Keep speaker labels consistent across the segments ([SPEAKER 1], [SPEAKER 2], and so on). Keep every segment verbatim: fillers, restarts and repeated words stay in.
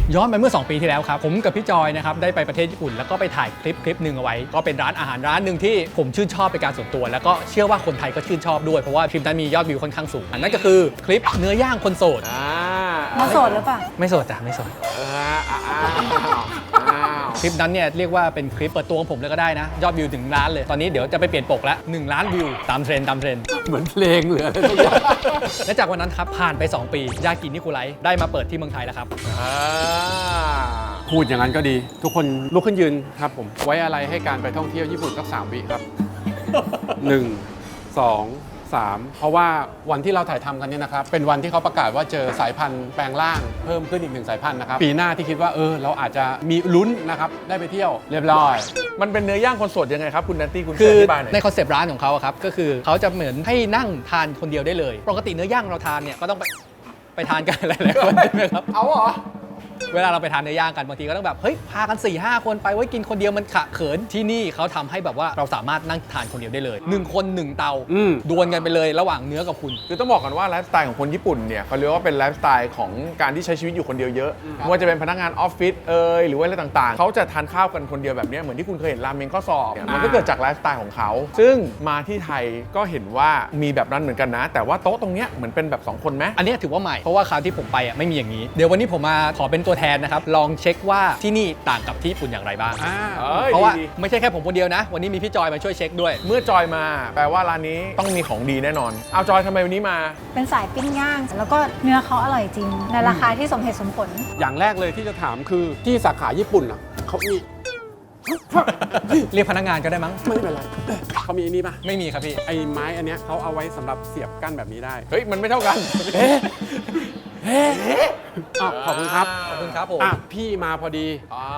[SPEAKER 1] ย้อนไปเมื่อสองปีที่แล้วครับผมกับพี่จอยนะครับได้ไปประเทศญี่ปุ่นแล้วก็ไปถ่ายคลิปคลิปหนึ่งเอาไว้ก็เป็นร้านอาหารร้านหนึ่งที่ผมชื่นชอบเป็นการส่วนตัวแล้วก็เชื่อว่าคนไทยก็ชื่นชอบด้วยเพราะว่าคลิปนั้นมียอดวิวค่อนข้างสูงนั่นก็คือคลิปเนื้อย่างคนโสด
[SPEAKER 2] มาโสดหรือเปล่า
[SPEAKER 1] ไม่โสดจ้ะไม่โสดคลิปนั้นเนี่ยเรียกว่าเป็นคลิปเปิดตัวของผมเลยก็ได้นะยอดวิวถึงล้านเลยตอนนี้เดี๋ยวจะไปเปลี่ยนปกแล้วหนึ่งล้านวิวตามเทรนด์ตามเทรนด์
[SPEAKER 3] เหมือนเพลงเลย
[SPEAKER 1] และจากวันนั้นครับผ่านไปสองปียากินิคุไลได้มาเปิดที่เมืองไทยแล้วครับ
[SPEAKER 3] พูดอย่างนั้นก็ดีทุกคนลุกขึ้นยืนครับผมไว้อะไรให้การไปท่องเที่ยวญี่ปุ่นสักสามวิครับหนึ่งสองสามเพราะว่าวันที่เราถ่ายทำกันเนี่ยนะครับเป็นวันที่เขาประกาศว่าเจอสายพันธุ์แปลงร่างเพิ่มขึ้นอีกหนึ่งสายพันธุ์นะครับปีหน้าที่คิดว่าเออเราอาจจะมีลุ้นนะครับได้ไปเที่ยวเรียบร้อย
[SPEAKER 4] มันเป็นเนื้อย่างคนโสดยังไงครับคุณนันตี้คุณ
[SPEAKER 1] คือ
[SPEAKER 4] อธิบายหน่อย
[SPEAKER 1] ในคอนเซปต์ร้านของเขาครับก็คือเขาจะเหมือนให้นั่งทานคนเดียวได้เลยปกติเนื้อย่างเราทานเนี่ยก็ต้องไปไปทานกันหลายๆคนใช่ไหมครับ
[SPEAKER 4] เอาเหรอ
[SPEAKER 1] เวลาเราไปทานเนื้อย่างกันบางทีก็ต้องแบบเฮ้ยพากัน สี่ห้า คนไปไว้กินคนเดียวมันขะเขินที่นี่เขาทำให้แบบว่าเราสามารถนั่งทานคนเดียวได้เลยหนึ่งคนหนึ่งเตาดวลกันไปเลยระหว่างเนื้อกับคุณ
[SPEAKER 4] คือต้องบอกกันว่าไลฟ์สไตล์ของคนญี่ปุ่นเนี่ยเขาเรียกว่าเป็นไลฟ์สไตล์ของการที่ใช้ชีวิตอยู่คนเดียวเยอะไม่ว่าจะเป็นพนักงานออฟฟิศเอ่ยหรือว่าอะไรต่างๆเขาจะทานข้าวกันคนเดียวแบบนี้เหมือนที่คุณเคยเห็นราเมงข้อสอบมันก็เกิดจากไลฟ์สไตล์ของเขาซึ่งมาที่ไทยก็เห็นว่ามีแบบนั้นเหมือนกันนะแต่ว่าโต๊ะตรงเนี้ยเหมือนเป็นแบบสองคนไหม
[SPEAKER 1] อันนี้ถือว่าใหม่เพราะว่าคราวที่ผมไปอ่ะไม่มีอย่างนี้เดี๋ยววันนี้ผมมาขอเป็นตัวแทนนะครับลองเช็คว่าที่นี่ต่างกับที่ญี่ปุ่นอย่างไรบ้างเพราะว่าไม่ใช่แค่ผมคนเดียวนะวันนี้มีพี่จอยมาช่วยเช็คด้วย
[SPEAKER 4] เมื่อจอยมาแปลว่าร้านนี้ต้องมีของดีแน่นอนเอาจอยทำไมวันนี้มา
[SPEAKER 2] เป็นสายปิ้งย่างแล้วก็เนื้อเขาอร่อยจริงในราคาที่สมเหตุสมผล
[SPEAKER 3] อย่างแรกเลยที่จะถามคือที่สาขาญี่ปุ่นอ่ะเขามี
[SPEAKER 1] เรียกพนักงานก็ได้มั้ง
[SPEAKER 3] ไม่เป็นไรเขามีอันนี้ป่ะ
[SPEAKER 1] ไม่มีครับพี่
[SPEAKER 3] ไอ้ไม้อันเนี้ยเขาเอาไว้สำหรับเสียบกั้นแบบนี้ได้
[SPEAKER 4] เฮ้ยมันไม่เท่ากัน
[SPEAKER 3] เฮ้ขอบคุณครับ
[SPEAKER 1] ขอบคุณครับผม
[SPEAKER 3] อ่ะพี่มาพอดี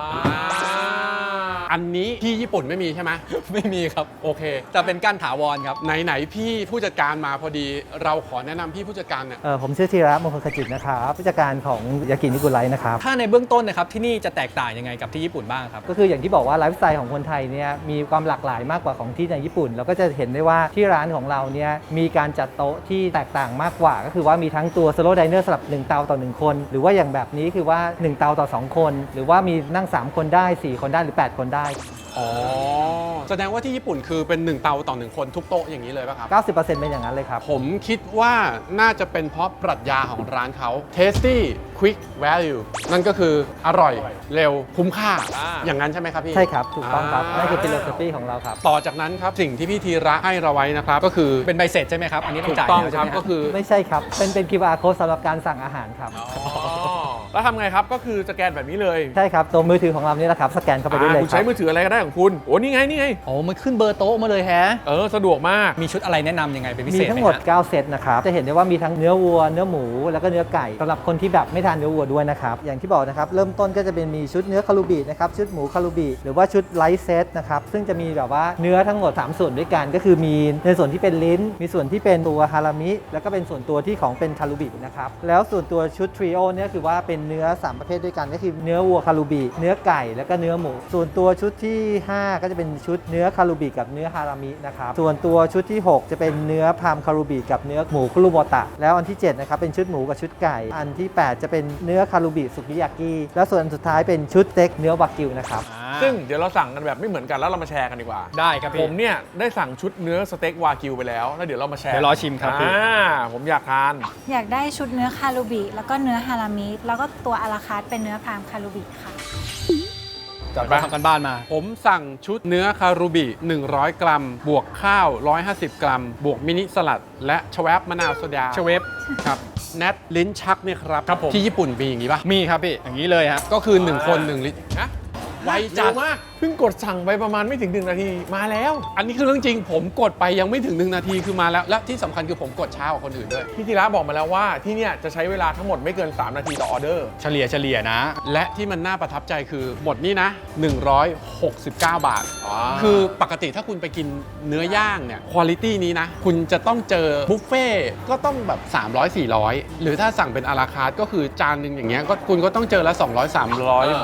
[SPEAKER 3] อันนี้ที่ญี่ปุ่นไม่มีใช่ไหม
[SPEAKER 1] ไม่มีครับ
[SPEAKER 3] โอเค
[SPEAKER 1] จะเป็นก้านถาวรครับ
[SPEAKER 3] ไหนๆพี่ผู้จัดการมาพอดีเราขอแนะนำพี่ผู้จัดการเนี่ย
[SPEAKER 5] เออผมชื่อธีระมงคลขจิตนะครับผู้จัดการของยากินิกุไลนะครับ
[SPEAKER 1] ถ้าในเบื้องต้นนะครับที่นี่จะแตกต่างยังไงกับที่ญี่ปุ่นบ้างครับ
[SPEAKER 5] ก็คืออย่างที่บอกว่าไลฟ์สไตล์ของคนไทยเนี่ยมีความหลากหลายมากกว่าของที่ในญี่ปุ่นเราก็จะเห็นได้ว่าที่ร้านของเราเนี่ยมีการจัดโต๊ะที่แตกต่างมากกว่าก็คือว่ามีทั้งตัวสโลว์ไดเนอร์สำหรับหนึ่งเตาต่อหนึ่งคนหรือว่าอย่างแบบนี้คือว่าหนึ่งเตาต่อสองคนหรือว่ามีนั่งสามคนได้สี่คนได้หรือแปดคนได้
[SPEAKER 3] อ๋อแสดงว่าที่ญี่ปุ่นคือเป็นหนึ่งเตาต่อหนึ่งคนทุกโต๊ะอย่างนี้เลยป่ะครับ
[SPEAKER 5] เก้าสิบเปอร์เซ็นต์ เป็นอย่างนั้นเลยครับ
[SPEAKER 3] ผมคิดว่าน่าจะเป็นเพราะปรัชญาของร้านเขา tasty quick value นั่นก็คืออร่อยเร็วคุ้มค่าอย่างนั้นใช่ไหมครับพี่
[SPEAKER 5] ใช่ครับถูกต้องครับนั่นคือ philosophy ของเราครับ
[SPEAKER 3] ต่อจากนั้นครับสิ่งที่พี่ธีระให้เราไว้นะครับก็คือ
[SPEAKER 1] เป็นใบเสร็จใช่ไหมครับอันนี้ต้องจ่าย
[SPEAKER 3] ถูกต้องครับก็คือ
[SPEAKER 5] ไม่ใช่ครับเป็นเป็น คิว อาร์ code สำหรับการสั่งอาหารครับ
[SPEAKER 4] แล้วทำไงครับก็คือสแกนแบบนี้เลย
[SPEAKER 5] ใช่ครับตัวมือถือของเรานี่แหละครับสแกนเข้าไปได้เลย
[SPEAKER 4] คุณใช้มือถืออะไรก็ได้ของคุณโอ้นี่ไงนี่ไง
[SPEAKER 1] โอ้มันขึ้นเบอร์โต๊ะมาเลยแฮะ
[SPEAKER 4] เออสะดวกมาก
[SPEAKER 1] มีชุดอะไรแนะนำยังไงเป็นพิเศษ
[SPEAKER 5] มีทั้งหมดเก้าเซตนะครับจะเห็นได้ว่ามีทั้งเนื้อวัวเนื้อหมูแล้วก็เนื้อไก่สำหรับคนที่แบบไม่ทานเนื้อวัวด้วยนะครับอย่างที่บอกนะครับเริ่มต้นก็จะเป็นมีชุดเนื้อคารูบินะครับชุดหมูคารูบิหรือว่าชุดไลท์เซตนะครับซึ่งจะมีแบบว่าเนื้อทั้งหมดสามส่วนด้วยกันก็คือมีในส่วนที่เป็นลิ้นมีส่วนที่เป็นตัวฮารามิแล้วก็เป็นส่วนตัวที่ของเป็นคารูบินะครับแล้วส่วนตัวชุดทริโอเนี่ยคือว่าเป็นเนื้อสามประเภทด้วยกันก็คือเนื้อวัวคารูบิเนื้อไก่แล้วก็เนื้อหมูส่วนตัวชุดที่ห้าก็จะเป็นชุดเนื้อคารูบิกับเนื้อฮารามินะครับส่วนตัวชุดที่หกจะเป็นเนื้อพามคารูบิกับเนื้อหมูคุรุโบตะแล้วอันที่เจ็ดนะครับเป็นชุดหมูกับชุดไก่อันที่แปดจะเป็นเนื้อคารูบิสุกิยากิแล้วส่วนสุดท้ายเป็นชุดสเต็กเนื้อวากิวนะครับ
[SPEAKER 4] ซึ่งเดี๋ยวเราสั่งกันแบบไม่เหมือนกันแล้วเรามาแชร์กันดีกว่า
[SPEAKER 1] ได้ครับพี่
[SPEAKER 4] ผมเนี่ยได้สั่งชุดเนื้อสเต็กวากิวไปแล้วแล้วเดี๋ยวเรามาแชร์
[SPEAKER 1] เดี๋ยวรอชิมครับพี่
[SPEAKER 4] ผมอยากทาน
[SPEAKER 2] อยากได้ชุดเนื้อคารูบิแล้วก็เนื้อฮารามิแล้วก็ตัวอาราคาร์ทเป็นเนื้อพรามคารูบิค่ะ
[SPEAKER 1] จัดไปทำกันบ้านมา
[SPEAKER 3] ผมสั่งชุดเนื้อคารูบิหนึ่งร้อยกรัมบวกข้าวหนึ่งร้อยห้าสิบกรัมบวกมินิสลัดและชเวฟมะนาวโซดา
[SPEAKER 1] ชเวฟ
[SPEAKER 3] ครับแนทลิ้นชักเนี่ยครับ
[SPEAKER 1] ครับผม
[SPEAKER 3] ที่ญี่ปุ่นมีอย่างนี้ป่ะ
[SPEAKER 1] มีครับพี่อย่างนี้เลยฮะ
[SPEAKER 3] ก็คือหนึ่งคนหนึ่งลิ้น
[SPEAKER 4] นะไวจัดมากเพิ่งกดสั่งไปประมาณไม่ถึงหนึ่งนาทีมาแล้ว
[SPEAKER 3] อันนี้คือเรื่องจริงผมกดไปยังไม่ถึงหนึ่งนาทีคือมาแล้วและที่สำคัญคือผมกดช้ากว่าคนอื่นด้วย
[SPEAKER 4] พี่ธีระบอกมาแล้วว่าที่เนี่ยจะใช้เวลาทั้งหมดไม่เกินสามนาทีต่อออเดอร์
[SPEAKER 1] เฉลี่ยเฉลี่ยนะ
[SPEAKER 3] และที่มันน่าประทับใจคือหมดนี่นะหนึ่งร้อยหกสิบเก้าบาทคือปกติถ้าคุณไปกินเนื้อย่างเนี่ยคุณภาพนี้นะคุณจะต้องเจอบุฟเฟ่ก็ต้องแบบสามร้อย สี่ร้อยหรือถ้าสั่งเป็นอาราคาร์ทก็คือจานนึงอย่างเงี้ยก็คุณก็ต้องเจอละสองร้อย สามร้อยบาท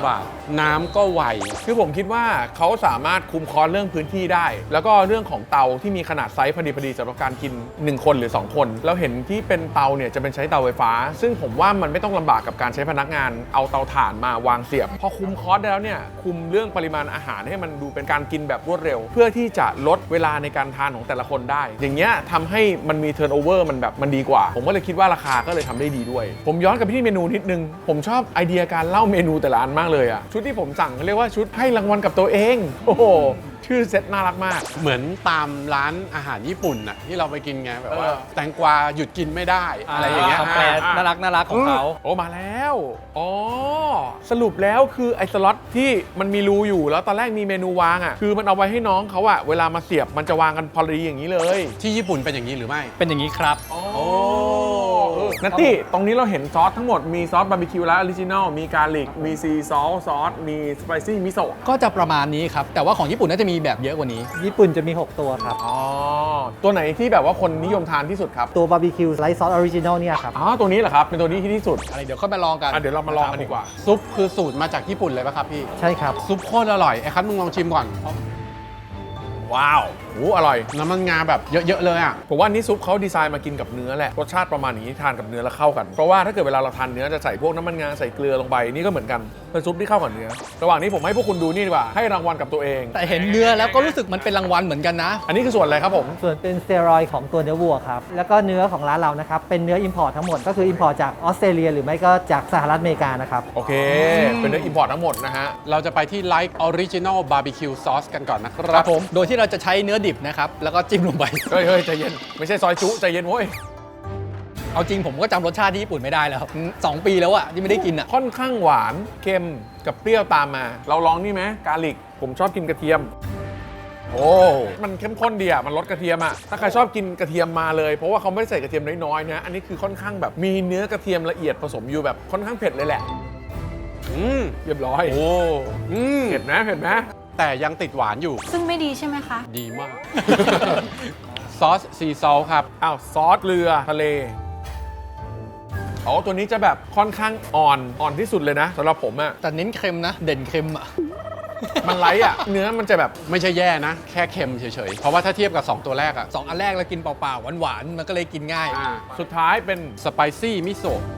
[SPEAKER 3] น้ำก็ไว
[SPEAKER 4] คือผมคิดว่าเขาสามารถคุมคอสเรื่องพื้นที่ได้ แล้วก็เรื่องของเตาที่มีขนาดไซส์พอดีพอดีสำหรับการกินหนึ่งคนหรือสองคนแล้วเห็นที่เป็นเตาเนี่ยจะเป็นใช้เตาไฟฟ้า ซึ่งผมว่ามันไม่ต้องลำบากกับการใช้พนักงานเอาเตาถ่านมาวางเสียบพอคุมคอสได้แล้วเนี่ยคุมเรื่องปริมาณอาหารให้มันดูเป็นการกินแบบรวดเร็ว เพื่อที่จะลดเวลาในการทานของแต่ละคนได้ อย่างเงี้ยทำให้มันมีเทิร์นโอเวอร์มันแบบมันดีกว่า ผมก็เลยคิดว่าราคาก็เลยทำได้ดีด้วย ผมย้อนกลับไปที่เมนูนิดนึงผมชอบไอเดียการเล่าเมนูแต่ละอันมากเลยอะชุดที่ผมสั่งเรียกว่าชุดให้รางวัลกับตัวเองโอ้โหชื่อเซ็ตน่ารักมาก
[SPEAKER 3] เหมือนตามร้านอาหารญี่ปุ่นน่ะที่เราไปกินไงแบบว่า
[SPEAKER 4] เออ
[SPEAKER 3] แตงกวาหยุดกินไม่ได้อะไรอย่างเงี้ย
[SPEAKER 1] คำแปลน่ารักน่ารักของเขา
[SPEAKER 4] โอ้มาแล้วอ๋อสรุปแล้วคือไอ้สล็อตที่มันมีรูอยู่แล้วตอนแรกมีเมนูวางอ่ะคือมันเอาไว้ให้น้องเขาอะเวลามาเสียบมันจะวางกันพอดีอย่างนี้เลย
[SPEAKER 3] ที่ญี่ปุ่นเป็นอย่างนี้หรือไม่
[SPEAKER 1] เป็นอย่างนี้ครับ
[SPEAKER 4] โอ้นัตตี้ตรงนี้เราเห็นซอสทั้งหมดมีซอสบาร์บีคิวและออริจินอลมีการลิกมีซีซอสซอสมีสไปซี่มิโซะ
[SPEAKER 1] ก็จะประมาณนี้ครับ แต่ว่าของญี่ปุ่นน่าจะมีแบบเยอะกว่านี้
[SPEAKER 5] ญี่ปุ่นจะมี หก ตัวครับ
[SPEAKER 4] อ๋อตัวไหนที่แบบว่าคนนิยมทานที่สุดครับ
[SPEAKER 5] ตัวบาร์บีคิวไลท์ซอสออริจินอลเนี่ยครับ
[SPEAKER 4] อ๋อตัวนี้เหรอครับเป็นตัวนี้ที่ที่สุด
[SPEAKER 1] อะไรเดี๋ยวค่อยมาลองกัน
[SPEAKER 4] อ่ะเดี๋ยวเรามาลองกันดีกว่า
[SPEAKER 3] ซุปคือสูตรมาจากญี่ปุ่นเลยป่ะครับพี่
[SPEAKER 5] ใช่ครับ
[SPEAKER 3] ซุปโคตรอร่อยไอ้คัทมึงลองชิมก่อน
[SPEAKER 4] ว้าวโอ้อร่อย
[SPEAKER 3] น้ำมันงาแบบเยอะๆเลยอ่ะ
[SPEAKER 4] ผมว่านี่ซุปเขาดีไซน์มากินกับเนื้อแหละรสชาติประมาณนี้ทานกับเนื้อแล้วเข้ากัน เพราะว่าถ้าเกิดเวลาเราทานเนื้อจะใส่พวกน้ำมันงาใส่เกลือลงไปนี่ก็เหมือนกันเป็นซุปที่เข้ากับเนื้อ ระหว่างนี้ผมให้พวกคุณดูนี่ดีกว่าให้รางวัลกับตัวเอง
[SPEAKER 1] แต่เห็นเนื้อแล้วก็รู้สึกมันเป็นรางวัลเหมือนกันนะ
[SPEAKER 4] อันนี้คือส่วนอะไรครับผม
[SPEAKER 5] ส่วนเป็นสเตียรอยด์ของตัวเนื้อวัวครับ แล้วก็เนื้อของร้านเรานะครับ เป็นเนื้ออิมพอร์ตทั้งหมด ก็คืออิมพอร์ตจากออสเตรเลียหรือไม่ก็จากสหรัฐอเมริกานะครับ
[SPEAKER 4] โอเค เป็นเนื้ออิมพอร์ตทั้งหมดนะฮะ
[SPEAKER 3] เราจะไปที่ Like Original Barbecue Sauce กันก่อนนะค
[SPEAKER 1] ค
[SPEAKER 3] รั
[SPEAKER 1] รั
[SPEAKER 3] บบ
[SPEAKER 1] ผม โดยที่เราจะใช้เนื้อดิบนะครับ แล้วก็จิ้มลงไป
[SPEAKER 4] เฮ้ยเฮ้ยใจเย็นไม่ใช่ซอยจุใจเย็นเว้ย
[SPEAKER 1] เอาจริงผมก็จำรสชาติที่ญี่ปุ่นไม่ได้แล้วสองปีแล้วอะที่ไม่ได้กินอะ
[SPEAKER 4] ค่อนข้างหวานเค็มกับเปรี้ยวตามมา เราลองนี่ไหมกาลิกผมชอบกินกระเทียม โอ้มันเข้มข้นดีอ่ะมันลดกระเทียมอ่ะถ้าใครชอบกินกระเทียมมาเลยเพราะว่าเขาไม่ได้ใส่กระเทียมน้อยๆนะอันนี้คือค่อนข้างแบบมีเนื้อกระเทียมละเอียดผสมอยู่แบบค่อนข้างเผ็ดเลยแหละ
[SPEAKER 3] อืม
[SPEAKER 4] เรียบร้อย
[SPEAKER 3] โอ้อืม
[SPEAKER 4] เผ็ดไหมเผ็ดไหม
[SPEAKER 3] แต่ยังติดหวานอยู่
[SPEAKER 2] ซึ่งไม่ดีใช่ไหมคะ
[SPEAKER 3] ดีมาก ซอสซีซอลครับ
[SPEAKER 4] อ้าวซอสเรือทะเลอ๋อตัวนี้จะแบบค่อนข้างอ่อนอ่อนที่สุดเลยนะสำหรับผมอ่ะ
[SPEAKER 1] แต่เน้นเค็มนะ เด่นเค็มอะ
[SPEAKER 4] มันไลท์อ่ะเนื้อมันจะแบบ
[SPEAKER 3] ไม่ใช่แย่นะ แค่เค็มเฉยๆ เพราะว่าถ้าเทียบกับ สอง ตัวแรกอะ
[SPEAKER 1] สองอันแรกเรากินเปล่าๆหวานๆมันก็เลยกินง่าย
[SPEAKER 3] อ่า
[SPEAKER 4] สุดท้ายเป็น
[SPEAKER 3] สไปซี่มิโซะ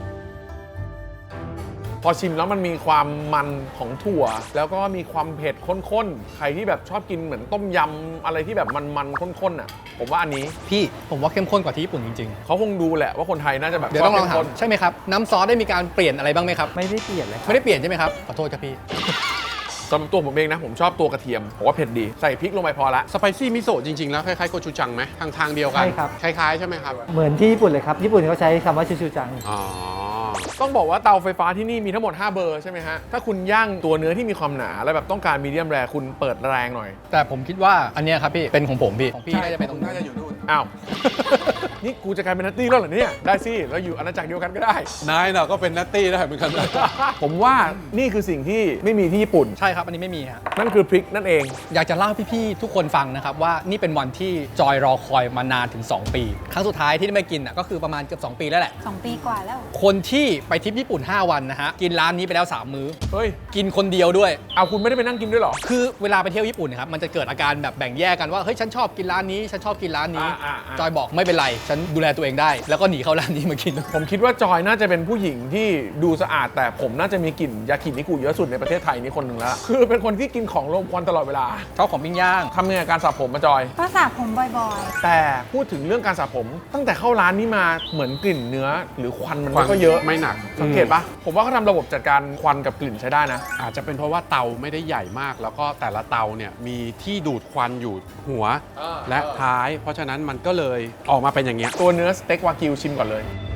[SPEAKER 4] พอชิมแล้วมันมีความมันของถั่ว แล้วก็มีความเผ็ดข้นๆใครที่แบบชอบกินเหมือนต้มยำอะไรที่แบบมันๆข้นๆอ่ะผมว่าอันนี้
[SPEAKER 1] พี่ผมว่าเข้มข้นกว่าที่ญี่ปุ่นจริง
[SPEAKER 4] เขาคงดูแหละว่าคนไทยน่าจะแบบ
[SPEAKER 1] ๆ เดี๋ยวต้องลอง
[SPEAKER 4] ชบ
[SPEAKER 1] ถาม
[SPEAKER 4] เข้มข้น
[SPEAKER 1] ใช่ไหมครับ น้ำซอสได้มีการเปลี่ยนอะไรบ้างไหมครับ
[SPEAKER 5] ไม่ได้เปลี่ยนเลยครับ
[SPEAKER 1] ไม่ได้เปลี่ยนใช่ไหมครับ ขอโทษครับพี่
[SPEAKER 4] สำหรับตัวผมเองนะผมชอบตัวกระเทียมผมว่าเผ็ดดีใส่พริกลงไปพอละ
[SPEAKER 3] สไปซี่มิโซะจริงๆ แล้วคล้ายๆโกชูจังไหมทางทางเดียวกัน
[SPEAKER 5] ใช่ครับ
[SPEAKER 3] คล้ายๆ ใช่ไหมครับ
[SPEAKER 5] เหมือนที่ญี่ปุ่นเลยครับ ญี่ปุ่นเขาใช้คำว่าชูชูจัง
[SPEAKER 3] อ๋อ
[SPEAKER 4] ต้องบอกว่าเตาไฟฟ้าที่นี่มีทั้งหมดห้าเบอร์ใช่ไหมฮะถ้าคุณย่างตัวเนื้อที่มีความหนาแล้วแบบต้องการมีเดียมแรร์คุณเปิดแรงหน่อย
[SPEAKER 1] แต่ผมคิดว่าอันเนี้ยครับพี่เป็นของผมพี่ของพี่น่าจะเป็นตรงนู้
[SPEAKER 3] น่าน จะอยู่นู่น
[SPEAKER 4] อ้าว นี่กูจะกลายเป็นนัตตี้แล้วเหรอเนี่ยได้สิเราอยู่อาณาจักรเดียวกันก็ได้
[SPEAKER 3] นายเนาะก็เป็นนัตตี้ได้เหมือนกันนะ
[SPEAKER 4] ผมว่านี่คือสิ่งที่ไม่มีที่ญี่ปุ่น
[SPEAKER 1] ใช่ครับอันนี้ไม่มีฮะ
[SPEAKER 4] นั่นคือพริกนั่นเอง
[SPEAKER 1] อยากจะเล่าให้พี่ๆทุกคนฟังนะครับว่านี่เป็นวันที่จอยรอคอยมานานถึง สอง ปี ครั้งสุดท้ายที่ได้มากินน่ะก็คือประมาณเกือบสองปีแล้วแหละ
[SPEAKER 2] สอง ปีกว่าแล้ว
[SPEAKER 1] คนที่ไปทริปญี่ปุ่น ห้า วันนะฮะกินร้านนี้ไปแล้ว สาม มื้อ
[SPEAKER 4] เฮ้ย
[SPEAKER 1] กินคนเดียวด้วย
[SPEAKER 4] เอาคุณไม่ได้ไปนั่งกินด้วยเหรอ
[SPEAKER 1] คือเวลาไปเที่ยวญี่ปุ่นนะครับมันจะเกิดอาการแบบแบ่งแยกกันว่าเฮ้ยฉันชอบกินร้านนี้ฉันชอบกินร้านนี้
[SPEAKER 4] อ่าอ่าอ่า
[SPEAKER 1] จอยบอกไม่เป็นไรฉันดูแลตัวเองได้ แล้วก็หนีเข้าร้านนี้มากิน
[SPEAKER 4] ผมคิดว่าจอยน่าจะเป็นผู้หญิงที่ดูสะอาดแต่ผมน่าจะมีกลิ่นยากินิกุเยอะสุดในประเทศไทยนี่คนหนึ่งแล้วคือเป็นคนที่กินของรมควันตลอดเวลา
[SPEAKER 1] ชอบของปิ้งย่าง
[SPEAKER 4] ทำยังไงกับการสระผมมาจอย
[SPEAKER 2] ก็สระผมบ่อย
[SPEAKER 4] แต่พูดถึงเรื่องการสระผม ตั้งแต่เข้าร้านนี้มาเหมือนกลิ่นเนื้อ หรือควันมัน
[SPEAKER 3] ควั
[SPEAKER 4] ไม่
[SPEAKER 3] น
[SPEAKER 4] ก็เยอะ
[SPEAKER 3] ไม่หนัก
[SPEAKER 4] สังเกตปะผมว่าเขาทำระบบจัดการควันกับกลิ่นใช้ได้นะ
[SPEAKER 3] อาจจะเป็นเพราะว่าเตาไม่ได้ใหญ่มาก แล้วก็แต่ละเตาเนี่ยมีที่ดูดควันอยู่หัว
[SPEAKER 4] เออ
[SPEAKER 3] และท้าย เพราะฉะนั้นมันก็เลยออกมาเป็นอย่างเงี้ย
[SPEAKER 4] ตัวเนื้อสเต็กวากิวชิมก่อนเลย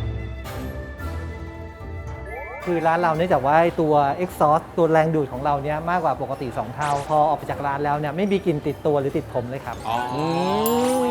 [SPEAKER 5] คือร้านเราเนื่องจากว่าตัว exhaust ตัวแรงดูดของเราเนี่ยมากกว่าปกติ สอง เท่า พอออกไปจากร้านแล้วเนี่ยไม่มีกลิ่นติดตัวหรือติดผมเลยครับ
[SPEAKER 3] อ๋อ
[SPEAKER 4] อืม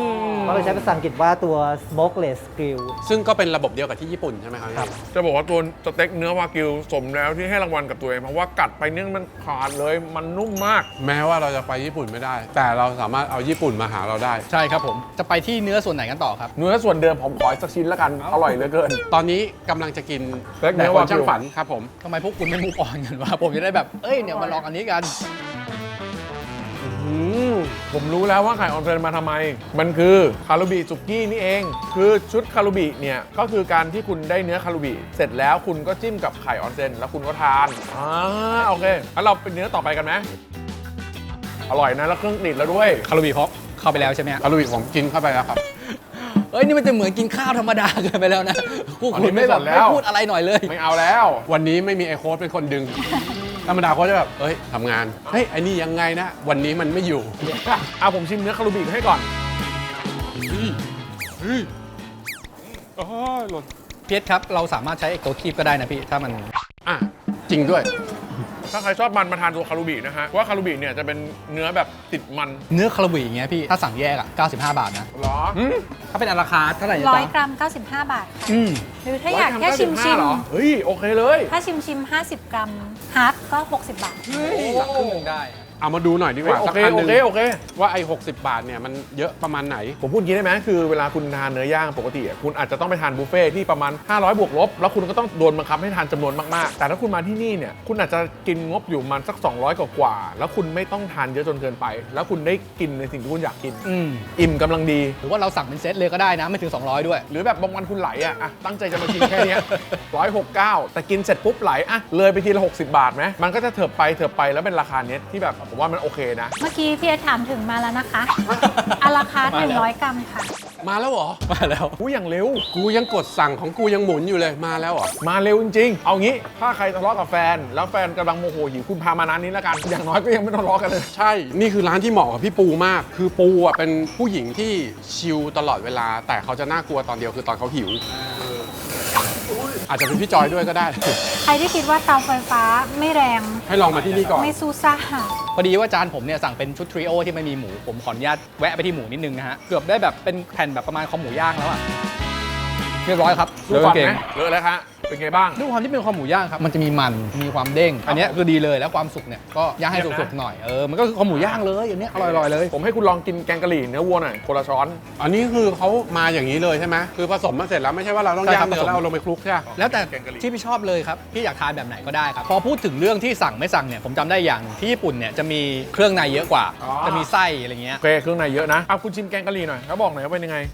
[SPEAKER 5] เขาเลยใช้ภาษาอังกฤษว่าตัว smokeless grill
[SPEAKER 3] ซึ่งก็เป็นระบบเดียวกับที่ญี่ปุ่นใช่ไหมครับ
[SPEAKER 5] ครับ
[SPEAKER 4] จะบอกว่าตัวสเต็กเนื้อวากิวสมแล้วที่ให้รางวัลกับตัวเองเพราะว่ากัดไปเนื้อมันขาดเลยมันนุ่มมาก
[SPEAKER 3] แม้ว่าเราจะไปญี่ปุ่นไม่ได้ แต่เราสามารถเอาญี่ปุ่นมาหาเราได้
[SPEAKER 1] ใช่ครับผมจะไปที่เนื้อส่วนไหนกันต่อครับ
[SPEAKER 4] เนื้อส่วนเดิมผมขออีกสักชิ้นแล้วกัน อร่อยเหลือเกิน
[SPEAKER 3] ตอนนี้กำลังจะกิน
[SPEAKER 4] สเต็กเนื้
[SPEAKER 3] แต่
[SPEAKER 4] อ
[SPEAKER 3] คน
[SPEAKER 4] วากิว
[SPEAKER 3] ช่างฝันครับผม
[SPEAKER 1] ทำไมพวกคุณไม่มูฟออนกันวะผมจะได้แบบเอ้ยเนี่ยมาลองอันนี้กัน
[SPEAKER 3] อืม
[SPEAKER 4] ผมรู้แล้วว่าไข่ออนเซนมาทำไม มันคือคารุบิสุกี้นี่เอง คือชุดคารุบิเนี่ยก็คือการที่คุณได้เนื้อคารุบิเสร็จแล้วคุณก็จิ้มกับไข่ออนเซนแล้วคุณก็ทานอ่าโอเคงั้นเราเป็นเนื้อต่อไปกันไหมอร่อยนะแล้วเครื่องติดแล้วด้วย
[SPEAKER 1] คารุบิพอกเข้าไปแล้วใช่ไหมฮะ
[SPEAKER 3] คารุบิผมกินเข้าไปแล้วครับ
[SPEAKER 1] เอ้ยนี่มันจะเหมือนกินข้าวธรรมดาเกินไปแล้วนะพวก
[SPEAKER 4] อัน
[SPEAKER 1] คุ
[SPEAKER 4] นี้
[SPEAKER 1] ณ
[SPEAKER 4] ไม่
[SPEAKER 1] ไม่แบบ
[SPEAKER 4] สนแล้
[SPEAKER 1] ไม่
[SPEAKER 4] ว
[SPEAKER 1] พูดอะไรหน่อยเลย
[SPEAKER 4] ไม่เอาแล้ว
[SPEAKER 3] วันนี้ไม่มีไอโค้ดเป็นคนดึง ธรรมดาโค้ดจะแบบ เอ้ยทำงาน เฮ้ยไอ้นี่ยังไงนะ วันนี้มันไม่อยู่
[SPEAKER 4] เอาผมชิมเนื้อคารุบิให้ก่อน
[SPEAKER 3] เฮ้ยเฮ้ยโอ้ยหล่น
[SPEAKER 1] เพียรครับเราสามารถใช้ไอ้ตัวคีบก็ได้นะพี่ถ้ามัน
[SPEAKER 3] อ่ะ จริงด้วย
[SPEAKER 4] ถ้าใครชอบมันมาทานตัวคารุบินะฮะเพราะว่าคารุบิเนี่ยจะเป็นเนื้อแบบติดมัน
[SPEAKER 1] เนื้อคารุบิอย่างเงี้ยพี่ถ้าสั่งแยกอ่ะเก้าสิบห้าบาทนะ
[SPEAKER 4] เหรออืม
[SPEAKER 1] ถ้าเป็นอาราคาร์ทเท่าไหร่นะ
[SPEAKER 2] ร้อย
[SPEAKER 1] จ๊ะ
[SPEAKER 2] กรัม เก้าสิบห้า บาทค่ะ
[SPEAKER 1] อืม
[SPEAKER 2] หรือถ้าอยากแค่ชิมชิม
[SPEAKER 4] เหรอเฮ้ยโอเคเลย
[SPEAKER 2] ถ้าชิมชิมห้าสิบ กรัมฮาร์ฟก็ หกสิบ บาท
[SPEAKER 1] สั่งครึ่งหนึงได้
[SPEAKER 3] เอามาดูหน่อยดีกว่า
[SPEAKER 4] โอ
[SPEAKER 3] สัก
[SPEAKER 4] เค
[SPEAKER 3] อันห
[SPEAKER 4] โอ
[SPEAKER 3] นึ่ง
[SPEAKER 4] เคโอเค
[SPEAKER 3] ว่าไอ้หกสิบบาทเนี่ยมันเยอะประมาณไหน
[SPEAKER 4] ผมพูดอย่างนี้ได้ไหมคือเวลาคุณทานเนื้อย่างปกติอะคุณอาจจะต้องไปทานบุฟเฟ่ที่ประมาณห้าร้อยบวกลบแล้วคุณก็ต้องโดนบังคับให้ทานจำนวนมากๆ แต่ถ้าคุณมาที่นี่เนี่ยคุณอาจจะกินงบอยู่ประมันสัก สองร้อย กว่าๆแล้วคุณไม่ต้องทานเยอะจนเกินไป แล้วคุณได้กินในสิ่งที่คุณอยากกิน
[SPEAKER 1] อืม
[SPEAKER 4] อิ่มกำลังดี
[SPEAKER 1] หรือว่าเราสั่งเป็นเซตเลยก็ได้นะไม่ถึงสองร้อยด้วย
[SPEAKER 4] หรือแบบบางวันคุณไหลอ่ะอะตั้งใจจะมากินแค่เนี้ร้อยหกเก้าแต่กินเสร็จปุ๊บไหลอ่ะเลยไปทีละหกสิบบาทไหมมันก็จะเถิบไปเถิบไปแล้วเป็นราคาเนี้ยที่แบบผมว่ามันโอเคนะ
[SPEAKER 2] เมื่อกี้พี่เอถามถึงมาแล้วนะคะ อาราคาร์ท
[SPEAKER 1] มา
[SPEAKER 2] หนึ่
[SPEAKER 1] แล้
[SPEAKER 2] ง
[SPEAKER 1] ว
[SPEAKER 2] ร้อยกรัมค่ะ
[SPEAKER 3] มาแล้วเหรอ
[SPEAKER 1] มาแล้ว
[SPEAKER 4] กูอย่างเร็ว
[SPEAKER 3] กูยังกดสั่งของกูยังหมุนอยู่เลย มาแล้วเหรอ
[SPEAKER 4] มาเร็วจริงๆ เอางี้ ถ้าใครทะเลาะกับแฟน แล้วแฟนกำลังโมโหหิวคุณพามาร้านนี้แล้วกัน อย่างน้อยก็ยังไม่ทะเลาะกันเลย
[SPEAKER 3] ใช่ นี่คือร้านที่เหมาะกับพี่ปูมาก คือปูอ่ะเป็นผู้หญิงที่ชิลตลอดเวลา แต่เขาจะน่ากลัวตอนเดียวคือตอนเขาหิว อาจจะเป็นพี่จอยด้วยก็ได้
[SPEAKER 2] ใครที่คิดว่าเตาไฟฟ้าไม่แรง
[SPEAKER 3] ให้ลองมาที่นี่ก่อน
[SPEAKER 2] ไม่ซูซ่า
[SPEAKER 1] พอดีว่าจานผมเนี่ยสั่งเป็นชุดทริโอที่ไม่มีหมูผมขออนุญาตแวะไปที่หมูนิดนึงนะฮะเกือบได้แบบเป็นแผ่นแบบประมาณคอหมูย่างแล้วอะเรียบร้อยครับ
[SPEAKER 4] ดูก่อน
[SPEAKER 1] เก่
[SPEAKER 4] ไห
[SPEAKER 1] ง
[SPEAKER 4] มเลอะแล้วฮะเป็นไงบ้าง
[SPEAKER 1] ด้วยความที่เป็นคอหมูย่างครับมันจะมีมันมีความเด้ง อันเนี้ยคือดีเลยแล้วความสุกเนี่ยก็ย่างให้สุกๆหน่อยเออมันก็คือคอหมูย่างเลยอันเนี้ยอร่อยๆเลย
[SPEAKER 4] ผมให้คุณลองกินแกงกะหรี่เนื้อวัวหน่อยคนละช้อน
[SPEAKER 3] อันนี้คือเขามาอย่างนี้เลยใช่ไหมคือผสมมาเสร็จแล้วไม่ใช่ว่าเราต้อง
[SPEAKER 1] ใช่
[SPEAKER 3] ย่า
[SPEAKER 1] ครั
[SPEAKER 3] ง
[SPEAKER 1] บ
[SPEAKER 3] เนื้อ
[SPEAKER 1] ผสม
[SPEAKER 3] แล้วเอาลงไปคลุกใช่ไหม
[SPEAKER 1] แล้วแต่
[SPEAKER 4] แกงกะหรี่
[SPEAKER 1] ที่พี่ชอบเลยครับพี่อยากทานแบบไหนก็ได้ครับพอพูดถึงเรื่องที่สั่งไม่สั่งเนี่ยผมจำได้อย่างที่ญี่ปุ่นเนี่ยจะมีเครื่องในเยอะกว่า
[SPEAKER 4] อ๋อ
[SPEAKER 1] จะมีไส้อะไรเงี้ย
[SPEAKER 4] โอเคเครื่องในเยอะนะเอาคุณชิมแกงกะหรี่หน่อยแล้วบอกหน่อยว่าเป็นยังไง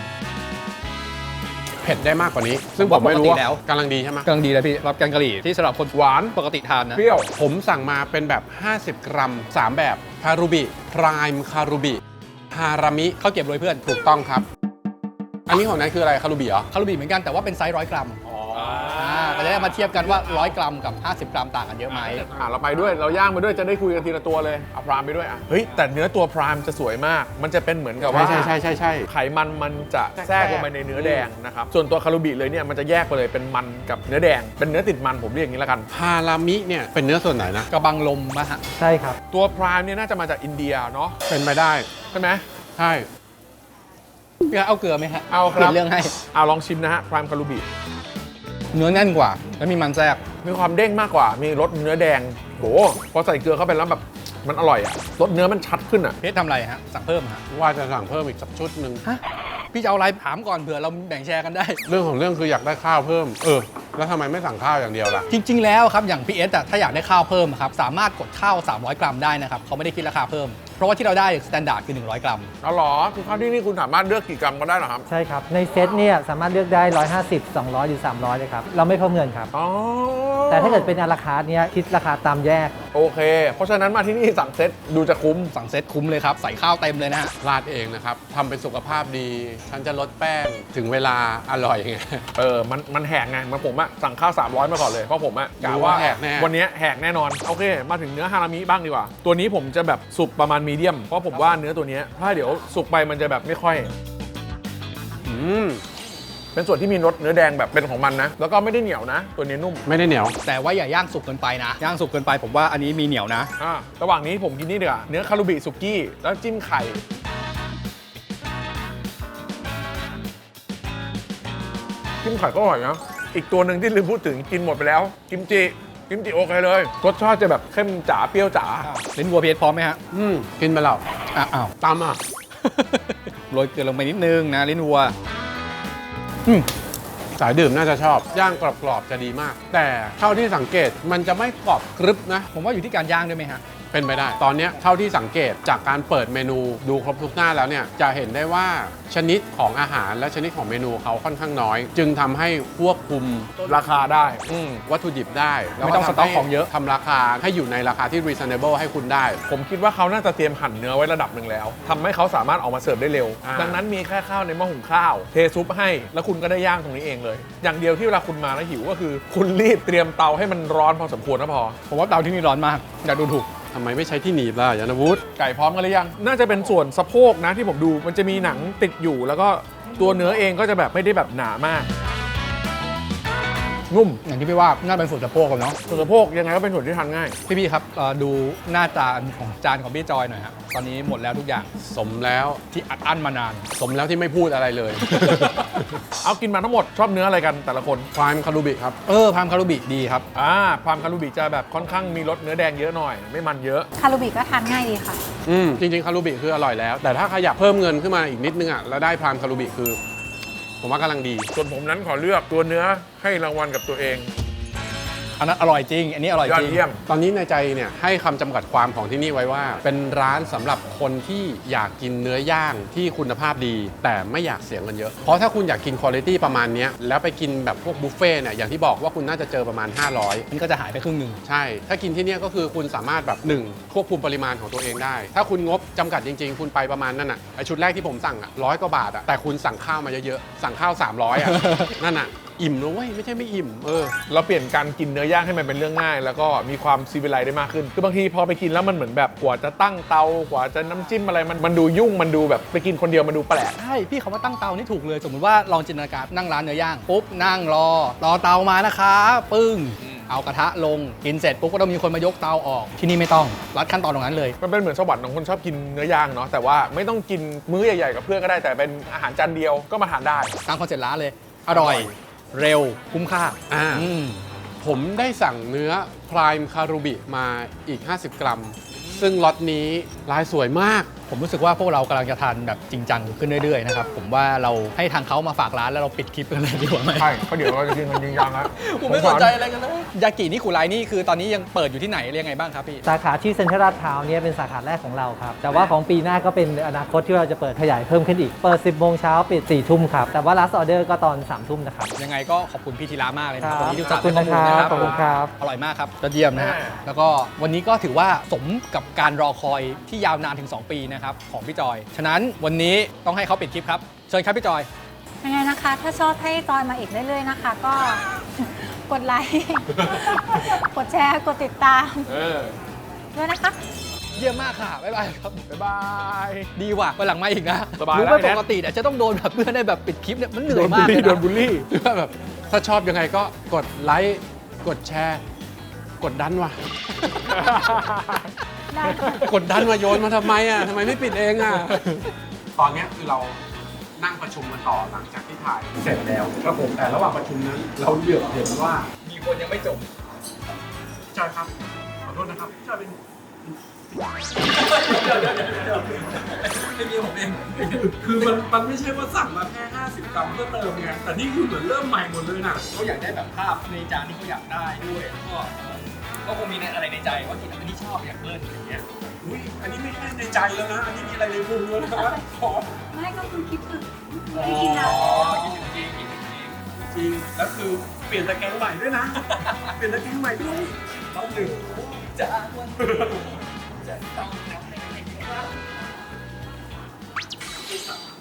[SPEAKER 3] เผ็ดได้มากกว่านี้ ซึ่งผมไม่รู้ว่ากำลังดีใช่ไหม
[SPEAKER 1] กำลังดีเลยพี่รับแกงกะหรี่ที่สำหรับคน
[SPEAKER 4] หวาน
[SPEAKER 1] ปกติทานนะ
[SPEAKER 4] เปรี้ยว
[SPEAKER 3] ผมสั่งมาเป็นแบบ ห้าสิบ กรัม สาม แบบ คารุบิ พรายม์คารุบิ ฮารามิ
[SPEAKER 1] ข้าวเก็บโรยเพื่อน
[SPEAKER 3] ถูกต้องครับ อันนี้ของนายคืออะไร คารุบิเหรอ
[SPEAKER 1] คารุบิเหมือนกันแต่ว่าเป็นไซส์ร้อยกรัม
[SPEAKER 4] อ๋อ
[SPEAKER 1] อ่าก็จะได้มาเทียบกันว่าร้อยกรัมกับห้าสิบกรัมต่างกันเยอะไหม
[SPEAKER 4] อ่ะเราไปด้วยเราย่างไปด้วยจะได้คุยกันทีละตัวเลยเอาพรามไปด้วยอ่ะเฮ้ยแต่เนื้อตัวพรามจะสวยมาก มันจะเป็นเหมือนกับว่า
[SPEAKER 3] ใช่ใช่ใช่ใช่
[SPEAKER 4] ไขมันมันจะแทรกลงไปในเนื้อแดงนะครับ ส่วนตัวคารุบิเลยเนี่ยมันจะแยกไปเลยเป็นมันกับเนื้อแดง เป็นเนื้อติดมันผมเรียกอย่างนี้แล้วกัน
[SPEAKER 3] ฮารามิเนี่ยเป็นเนื้อส่วนไหนนะ
[SPEAKER 1] กระบังลมมะฮะ
[SPEAKER 5] ใช่ครับ
[SPEAKER 4] ตัวพรามเนี่ยน่าจะมาจากอินเดียเนาะ
[SPEAKER 3] เป็นไปได้
[SPEAKER 4] ใช่ไหม
[SPEAKER 3] ใช่
[SPEAKER 1] พี่เอาเกลือไหมฮะ
[SPEAKER 4] เอาค
[SPEAKER 1] เปลี่
[SPEAKER 4] รั
[SPEAKER 1] ย
[SPEAKER 4] บ
[SPEAKER 1] นเรื่องให้
[SPEAKER 4] เอาลองชิมนะฮะพรามคารุบิ
[SPEAKER 1] เนื้อแน่นกว่า แล้วมีมันแทรก
[SPEAKER 4] มีความเด้งมากกว่ามีรสเนื้อแดงโหพอใส่เกลือเข้าไปแล้วแบบมันอร่อยอะรสเนื้อมันชัดขึ้นอะ
[SPEAKER 1] เพชรทำอะไรฮะ สั่งเพิ่มฮะ
[SPEAKER 3] ว่าจะสั่งเพิ่มอีกสักชุดหนึ่ง
[SPEAKER 1] ฮะ พี่จะเอาอะไรถามก่อนเผื่อเราแบ่งแชร์กันได้
[SPEAKER 3] เรื่องของเรื่องคืออยากได้ข้าวเพิ่ม เออ แล้วทำไมไม่สั่งข้าวอย่างเดียวล่ะ
[SPEAKER 1] จริง ๆ แล้วครับ อย่างพีเอสอะถ้าอยากได้ข้าวเพิ่มครับ สามารถกดข้าว สามร้อย กรัมได้นะครับเขาไม่ได้คิดราคาเพิ่ม เพราะว่าที่เราได้สแตนดาร์ดคือ หนึ่งร้อย กรัม
[SPEAKER 4] เอาเหรอคือข้าวที่นี่คุณสามารถเลือกกี่กรัมก็ได้เหรอครับ
[SPEAKER 5] ใช่ครับ ในเซตเนี่ยสามารถเลือกได้ หนึ่งร้อยห้าสิบ สองร้อย หรือ สามร้อยเลยครับ เราไม่เพิ่มเงินครับ
[SPEAKER 4] อ๋อ
[SPEAKER 5] แต่ถ้าเกิดเป็นอาราคาร์ทเนี่ยคิดราคาตามแยก
[SPEAKER 4] โอเค เพราะฉะนั้นมาที่นี่สั่งเซ็ตดูจะคุ้ม
[SPEAKER 1] สั่งเซตคุ้มเลยครับ ใส่ข้าวเต็มเลยนะฮะ
[SPEAKER 3] ราดเองนะครับทำเป็นสุขภาพดี ฉันจะลดแป้งถึงเวลาอร่อยไง
[SPEAKER 4] เออ มัน มันแหกไงเหมันผมอะสั่งข้าว สามร้อย มาก่อนเลย เพราะผมอะกะ
[SPEAKER 3] รู้
[SPEAKER 4] ว่า
[SPEAKER 3] ว่าแหกแน่
[SPEAKER 4] วันนี้แหกแน่นอน โอเค มาถึงเนื้อฮารามิบ้างดีกว่า ตัวนี้ผมจะแบบสุกประมาณมีเดียม เพราะผมว่าเนื้อตัวเนี้ยถ้าเดี๋ยวสุกไปมันจะแบบไม่ค่อย
[SPEAKER 3] อืม
[SPEAKER 4] เป็นส่วนที่มีรสเนื้อแดงแบบเป็นของมันนะ แล้วก็ไม่ได้เหนียวนะ ตัวนี้นุ่ม
[SPEAKER 3] ไม่ได้เหนียว
[SPEAKER 1] แต่ว่าอย่าย่างสุกเกินไปนะ ย่างสุกเกินไปผมว่าอันนี้มีเหนียวนะ
[SPEAKER 4] อ่า ระหว่างนี้ผมกินนี่ดีกว่าเนื้อคารุบิสุกี้ แล้วจิ้มไข่จิ้มไข่ก็อร่อยนะอีกตัวหนึ่งที่ลืมพูดถึงกินหมดไปแล้วกิมจิกิมจิโอเคเลยรสชาติจะแบบเข้มจ๋าเปรี้ยวจ๋า
[SPEAKER 1] ลิ้นวัวเพียพร้อมไหมฮะ
[SPEAKER 3] อืมกินไปแล้ว
[SPEAKER 1] อ่ะอ้าว
[SPEAKER 3] ตามอ่ะ
[SPEAKER 1] โรยเกลือลงไปนิดนึงนะลิ้นวัวอืม
[SPEAKER 3] สายดื่มน่าจะชอบ ย่างกรอบๆจะดีมาก แต่เท่าที่สังเกตมันจะไม่กรอบกรึบนะ
[SPEAKER 1] ผมว่าอยู่ที่การย่างด้วยไหมฮะ
[SPEAKER 3] เป็นไปได้ ตอนเนี้ยเท่าที่สังเกตจากการเปิดเมนูดูครบทุกหน้าแล้วเนี่ยจะเห็นได้ว่าชนิดของอาหารและชนิดของเมนูเขาค่อนข้างน้อย จึงทำให้ควบคุม
[SPEAKER 4] ราคาได้อืม
[SPEAKER 3] วัตถุดิบได้แล้ว
[SPEAKER 1] ไม่ต้องสต็อกของเยอะ
[SPEAKER 3] ทำราคาให้อยู่ในราคาที่ reasonable ให้คุณได้
[SPEAKER 4] ผมคิดว่าเขาน่าจะเตรียมหั่นเนื้อไว้ระดับหนึ่งแล้วทำให้เขาสามารถออกมาเสิร์ฟได้เร็ว
[SPEAKER 3] อ่า
[SPEAKER 4] ดังนั้นมีแค่ข้าวในหม้อหุงข้าว เทซุปให้แล้วคุณก็ได้ย่างตรงนี้เองเลย อย่างเดียวที่เวลาคุณมาแล้วหิวก็คือ คุณรีบเตรียมเตาให้มันร้อนพอสมควรนะพอ
[SPEAKER 1] ผมว่าเตาที่นี่ร้อนมากอย่าดูถูก
[SPEAKER 3] ทำไมไม่ใช้ที่หนีบล่ะยานวุฒิ
[SPEAKER 4] ไก่พร้อมกันหรือยัง น่าจะเป็นส่วนสะโพกนะที่ผมดูมันจะมีหนังติดอยู่ แล้วก็ตัวเนื้อเองก็จะแบบไม่ได้แบบหนามาก นุ่ม
[SPEAKER 1] อย่างที่พี่ว่าน่าเป็นส่วนสะโพกกันเนาะ
[SPEAKER 4] ส่วนสะโพกยังไงก็เป็นส่วนที่ทานง่าย
[SPEAKER 1] พี่พี่ๆครับเอ่อดูหน้าจานของจานของพี่จอยหน่อยครับตอนนี้หมดแล้วทุกอย่าง
[SPEAKER 3] สมแล้ว
[SPEAKER 1] ที่อัดอั้นมานาน
[SPEAKER 3] สมแล้วที่ไม่พูดอะไรเลย
[SPEAKER 4] เอากินมาทั้งหมดชอบเนื้ออะไรกันแต่ละคน
[SPEAKER 3] พรายคารูบิครับ
[SPEAKER 1] เออพามคารุบิดีครับ
[SPEAKER 4] อ่าพามคารูบิจะแบบค่อนข้างมีรสเนื้อแดงเยอะหน่อย ไม่มันเยอะ
[SPEAKER 2] คารูบิก็ทานง่ายดีค่ะ
[SPEAKER 3] อืมจริงๆคารูบิคืออร่อยแล้ว แต่ถ้าใครอยากเพิ่มเงินขึ้นมาอีกนิดนึงอ่ะแล้วได้พรามคารูบิคือ ผมว่ากำลังดี
[SPEAKER 4] ส่วนผมนั้นขอเลือกตัวเนื้อให้รางวัลกับตัวเอง
[SPEAKER 1] อันนั้นอร่อยจริง อันนี้อร่อย
[SPEAKER 4] ยอ
[SPEAKER 1] จ
[SPEAKER 4] ด
[SPEAKER 1] ริง
[SPEAKER 4] เยี่ยม
[SPEAKER 3] ตอนนี้ในใจเนี่ยให้คำจำกัดความของที่นี่ไว้ว่า เป็นร้านสำหรับคนที่อยากกินเนื้อย่างที่คุณภาพดี แต่ไม่อยากเสียเงินเยอะ เพราะถ้าคุณอยากกินคุณภาพประมาณเนี้ยแล้วไปกินแบบพวกบุฟเฟ่ต์เนี่ยอย่างที่บอกว่าคุณน่าจะเจอประมาณ ห้าร้อย
[SPEAKER 1] นี่ก็จะหายไปครึ่งหนึ่ง
[SPEAKER 3] ใช่ ถ้ากินที่เนี่ยก็คือคุณสามารถแบบหนึ่งควบคุมปริมาณของตัวเองได้ ถ้าคุณงบจำกัดจริงๆ คุณไปประมาณนั่นอ่ะไอชุดแรกที่ผมสั่งอ่ะร้อยกว่าบาทอ่ะแต่คุณสั่งข้าวมาเยอะๆสั่งข้าวสามร้อยอ่ะ นั่นอ่ะอิ่มนะเว้ยไม่ใช่ไม่อิ่มเออ
[SPEAKER 4] เราเปลี่ยนการกินเนื้อย่างให้มันเป็นเรื่องง่าย แล้วก็มีความซีวิไลซ์ได้มากขึ้น คือบางทีพอไปกินแล้วมันเหมือนแบบกว่าจะตั้งเตากว่าจะน้ำจิ้มอะไรมันมันดูยุ่งมันดูแบบไปกินคนเดียวมันดูแปลก
[SPEAKER 1] ใช่ พี่เขาว่าตั้งเตานี่ถูกเลย สมมติว่าลองจินตนาการนั่งร้านเนื้อย่างปุ๊บนั่งรอ รอเตามานะคะปึ้ง เอากระทะลงกินเสร็จปุ๊บก็ต้องมีคนมายกเตาออกที่นี่ไม่ต้องรัดขั้นตอนตรงนั้นเลย
[SPEAKER 4] มันเป็นเหมือนสวรรค์ของคนชอบกินเนื้อย่างเนาะแต่ว่าไม่ต้องกินมื้อใหญ่ๆกับเพื่อนก็ได้แต่เป็นอาหารจานเดียวก็มาทานได้
[SPEAKER 1] ตามคอนเซ็ปต์ร้านเลย อร่อย เร็ว คุ้มค่า
[SPEAKER 3] อ่า
[SPEAKER 1] อืม
[SPEAKER 3] ผมได้สั่งเนื้อพรายคารูบิมาอีก ห้าสิบ กรัม ซึ่งล็อตนี้ลายสวยมาก
[SPEAKER 1] ผมรู้สึกว่าพวกเรากำลังจะทานแบบจริงจังขึ้นเรื่อยๆนะครับ ผมว่าเราให้ทางเขามาฝากร้านแล้วเราปิดคลิปกันเลยดีกว่าไหม
[SPEAKER 4] ใช่เพราะเดี๋ยวเราจะกินกันจริงจังแล้ว
[SPEAKER 1] ผมไม่สนใจอะไรกันเลยยากินิคุไรนี่คือตอนนี้ยังเปิดอยู่ที่ไหนเรียกไงบ้างครับพี่
[SPEAKER 5] สาขาที่เซ็นทรัลลาดพร้าวเนี่ยเป็นสาขาแรกของเราครับ แต่ว่าของปีหน้าก็เป็นอนาคตที่เราจะเปิดขยายเพิ่มขึ้นอีก เปิด สิบโมงเช้าปิด สี่ทุ่มครับ แต่ว่า last order ก็ตอน สามทุ่มนะครับ
[SPEAKER 1] ยังไงก็ขอบคุณพี่ธีระมากเลยนะ
[SPEAKER 5] ค
[SPEAKER 1] ค
[SPEAKER 5] รั
[SPEAKER 1] รับบ วันนี้ที่อุตส่าห์
[SPEAKER 5] ขอบคุณ
[SPEAKER 1] ให้ข้อมูล
[SPEAKER 5] นะครับ
[SPEAKER 1] นะครับ
[SPEAKER 5] ขอบคุณครับ
[SPEAKER 1] อร่อยมากครับยอดเยี่ยมนะฮะแล้วก็วันนี้ก็ถือว่าสมกับการรอคอยที่ยาวนานถึง สอง ปีนะครับของพี่จอย ฉะนั้นวันนี้ต้องให้เขาปิดคลิปครับเชิญครับพี่จอย
[SPEAKER 2] ยังไงนะคะ ถ้าชอบให้จอยมาอีกเรื่อยๆนะคะ ก็ กดไลค์ กดแชร์ กดติดตาม
[SPEAKER 4] เออ
[SPEAKER 2] ด้วยนะคะ
[SPEAKER 1] เยี่ยมมากค่ะบ๊ายบายครับ
[SPEAKER 4] บ๊ายบาย
[SPEAKER 1] ดีว่ะวันหลังมาอีกนะ
[SPEAKER 4] สบาย
[SPEAKER 1] รู้
[SPEAKER 4] แล้ว
[SPEAKER 1] ว่า
[SPEAKER 4] ไอ้
[SPEAKER 1] ป
[SPEAKER 4] แนท
[SPEAKER 1] กติเนี่ยจะต้องโดนแบบเพื่อนได้แบบปิดคลิปเนี่ยมันเหนื่
[SPEAKER 4] โด
[SPEAKER 1] อย
[SPEAKER 4] นบู
[SPEAKER 1] มา
[SPEAKER 4] ล
[SPEAKER 1] กเล
[SPEAKER 4] ลี่
[SPEAKER 1] ย
[SPEAKER 4] โด
[SPEAKER 1] นะ
[SPEAKER 4] นบูลลี่
[SPEAKER 3] หรือว่าแบบถ้าชอบยังไงก็กดไลค์กดแชร์ กดดันว่ะ
[SPEAKER 2] ได้ค่ะ
[SPEAKER 3] กดดันมาโยนมาทำไมอ่ะทำไมไม่ปิดเองอ่ะ ตอนเนี้ยคือเรานั่งประชุมกันต่อหลังจากที่ถ่ายเสร็จแล้วครับผมแต่ระหว่างประชุมนั้น เราเหลือบเห็นว่า
[SPEAKER 1] มีคนยังไม่จบ
[SPEAKER 3] จอยครับขอโทษนะครับจอยเป็น
[SPEAKER 1] ไม่มีผมเอง
[SPEAKER 3] คือมันมันไม่ใช่ว่าสั่งมาแค่ห้าสิบกรัมเพื่อเติมไงแต่นี่คือเหมือนเริ่มใหม่หมดเลยน่ะ
[SPEAKER 1] เขาอยากได้แบบภาพในจานที่เขาอยากได้ด้วยแล้วก็ก็คงมีในอะไรในใจว่ากินอันที่ชอบอยากเลิ่นอย่างเงี้ย
[SPEAKER 3] อุ้ยอันนี้ไม่แค่ในใจแล้วนะ อันนี้มีอะไรในพุงแล้วนะขอ
[SPEAKER 2] ไม่ก็คือคิดถึงไม่กินนะ
[SPEAKER 1] กินจริงกินจริง
[SPEAKER 3] จริงแล้วคือเปลี่ยนตะแกรงใหม่ด้วยนะ เปลี่ยนตะแกรงใหม่ด้วย
[SPEAKER 1] ต้องหนึ่งจากวันนี้จะต้องทำให้ได้